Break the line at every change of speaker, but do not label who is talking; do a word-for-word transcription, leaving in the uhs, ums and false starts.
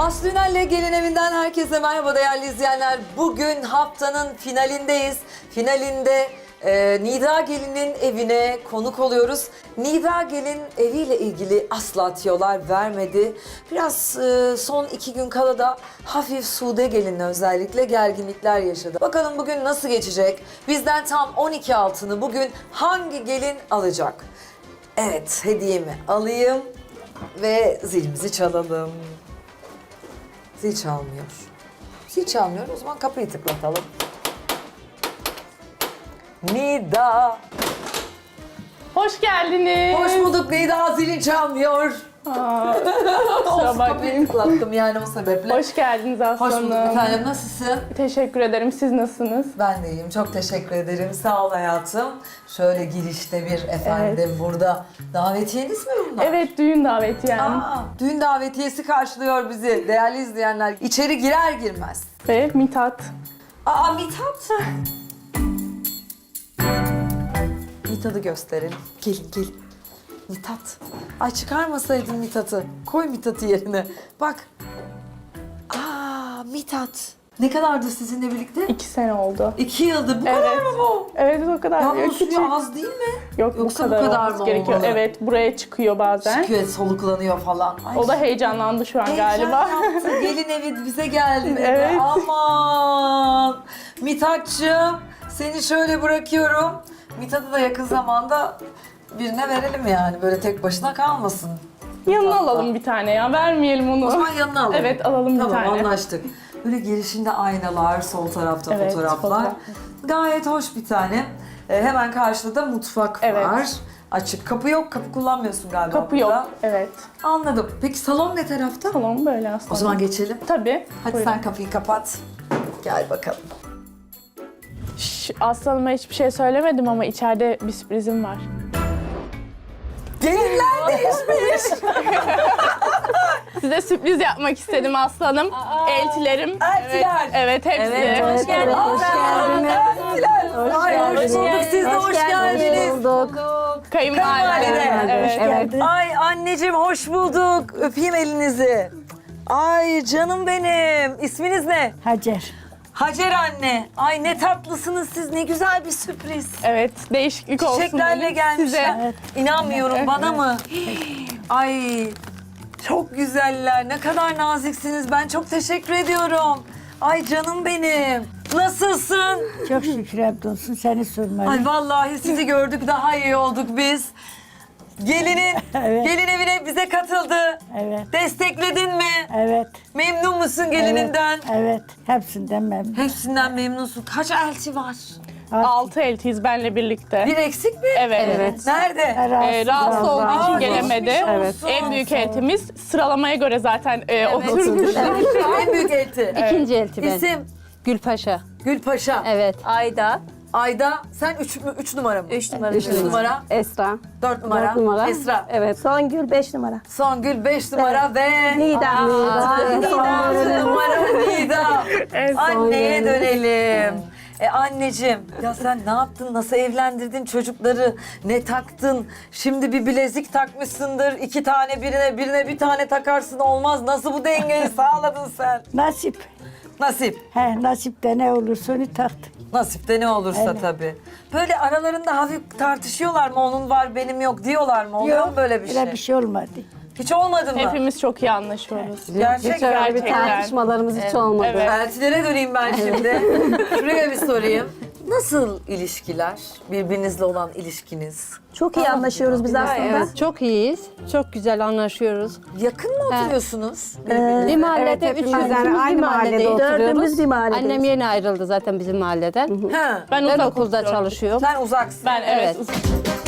Aslı Ünal'le Gelin Evi'nden herkese merhaba değerli izleyenler. Bugün haftanın finalindeyiz. Finalinde e, Nida Gelin'in evine konuk oluyoruz. Nida Gelin eviyle ilgili asla tiyolar vermedi. Biraz e, son iki gün kala da hafif Sude Gelin'le özellikle gerginlikler yaşadı. Bakalım bugün nasıl geçecek? Bizden tam on iki altını bugün hangi gelin alacak? Evet, hediyemi alayım ve zilimizi çalalım. Zil çalmıyor. Zil çalmıyor. O zaman kapıyı tıklatalım. Nida.
Hoş geldiniz.
Hoş bulduk Nida. Zilin çalmıyor.
Aa,
Olsun,
kusura
kapıyı
bakmayın.
tıklattım yani o sebeple.
Hoş geldiniz Aslı
Hoş bulduk
Hanım.
efendim. Nasılsın?
Teşekkür ederim. Siz nasılsınız?
Ben de iyiyim. Çok teşekkür ederim. Sağ ol hayatım. Şöyle girişte bir efendim burada. Davetiyeniz mi bunlar?
Evet, düğün daveti yani.
Aa, düğün davetiyesi karşılıyor bizi değerli izleyenler. İçeri girer girmez.
Ve Mithat.
Aa Mithat. Mithat'ı gösterelim. Gelin gelin. Mithat. Ay çıkarmasaydın Mithat'ı. Koy Mithat'ı yerine. Bak. Aa Mithat. Ne kadardı sizinle birlikte?
iki sene oldu.
İki yıldır. Bu
Evet.
kadar mı bu?
Evet, o kadar.
Ya
Yok,
bu
küçük.
suyu az değil mi?
Yok,
Yoksa
bu kadar,
bu kadar
olması
mı
gerekiyor.
olmalı?
Evet, buraya çıkıyor bazen.
Çıkıyor, soluklanıyor falan. Ay,
O da heyecanlandı şu an
heyecan
galiba.
yaptı. Gelin evi bize geldi dedi.
Evet.
Aman. Mithat'cığım seni şöyle bırakıyorum. Mithat'ı da yakın zamanda birine verelim yani. Böyle tek başına kalmasın.
Yanına
Mithat'la.
alalım bir tane ya. Vermeyelim onu.
O zaman yanına alalım.
Evet, alalım bir
tamam,
tane.
Tamam anlaştık. Böyle girişinde aynalar, sol tarafta
Evet,
fotoğraflar.
fotoğraf.
Gayet hoş bir tane. Ee, hemen karşıda da mutfak
Evet.
var. Açık. Kapı yok. Kapı kullanmıyorsun galiba
Kapı
burada.
yok. Evet.
Anladım. Peki salon ne tarafta?
Tamam, böyle aslında.
O zaman geçelim.
Tabii.
Hadi
Buyurun.
sen kapıyı kapat. Gel bakalım.
Şş, Aslı Hanım'a hiçbir şey söylemedim ama içeride bir sürprizim var.
Gelinler değişmiş.
Size sürpriz yapmak istedim Aslı Hanım. Eltilerim.
Eltiler.
Evet, evet hepsi.
Evet,
hoş geldiniz.
Hoş geldiniz. Ay, hoş bulduk. Siz de hoş geldiniz.
Kayınvalide.
Kayınvalide.
Evet.
Ay anneciğim hoş bulduk. Öpeyim elinizi. Ay canım benim. İsminiz ne?
Hacer.
Hacer anne. Ay ne tatlısınız siz. Ne güzel bir sürpriz.
Evet, değişiklik olsun
Çiçeklerle
dedim
gelmişler.
size.
İnanmıyorum bana mı? Ay çok güzeller. Ne kadar naziksiniz. Ben çok teşekkür ediyorum. Ay canım benim. Nasılsın?
Çok şükür hamdolsun seni sormalı.
Ay vallahi sizi gördük daha iyi olduk biz. Gelinin,
Evet.
gelin evine bize katıldı.
Evet,
Destekledin mi?
evet.
Memnun musun gelininden?
Evet, evet. Hepsinden memnun.
Hepsinden memnunsun. Kaç elti var?
Altı eltiyiz benle birlikte.
Bir eksik mi?
Evet. evet.
Nerede?
Ee, rahatsız olduğu
Aa,
için gelemedi.
geçmiş olsun.
En büyük eltimiz sıralamaya göre zaten e, oturmuş.
En büyük elti.
İkinci elti ben.
İsim?
Gülpaşa.
Gülpaşa.
Evet.
Ayda.
Ayda sen üç, mü, üç numara mı?
Üç numara.
Üç numara.
Esra.
Dört numara.
Dört numara.
Esra.
Evet.
Songül beş numara.
Songül beş numara ve...
Nida.
Aa, Nida. altı numara Nida.
En son
Anneye dönelim. E anneciğim, ya sen ne yaptın? Nasıl evlendirdin çocukları? Ne taktın? Şimdi bir bilezik takmışsındır. İki tane birine, birine bir tane takarsın olmaz. Nasıl bu dengeyi sağladın sen?
Nasip.
Nasip.
He, nasipte ne olursa onu taktım.
Nasipte ne olursa
Evet.
tabii. Böyle aralarında hafif tartışıyorlar mı? Onun var benim yok diyorlar mı? Oluyor mu böyle bir şey?
Öyle bir şey olmadı.
Hiç olmadı mı?
Hepimiz çok iyi anlaşıyoruz.
Gerçek
Hiç öyle bir
Gerçekten.
tartışmalarımız hiç olmadı.
Evet.
Eltilere döneyim ben şimdi. Şuraya bir sorayım. Nasıl ilişkiler? Birbirinizle olan ilişkiniz?
Çok iyi anlaşıyoruz biz aslında.
Evet, çok iyiyiz. Çok güzel anlaşıyoruz.
Yakın mı oturuyorsunuz?
Bir mahallede,
evet,
üç
hepimiz
üçümüz
aynı
bir mahallede
mahallede
oturuyoruz.
Dördümüz bir mahalledeyiz.
Annem yeni ayrıldı zaten bizim mahalleden.
Ha.
Ben,
Ben
uzak
okulda
oturuyorum.
çalışıyorum.
Sen uzaksın.
Ben evet.
Evet.
uzak-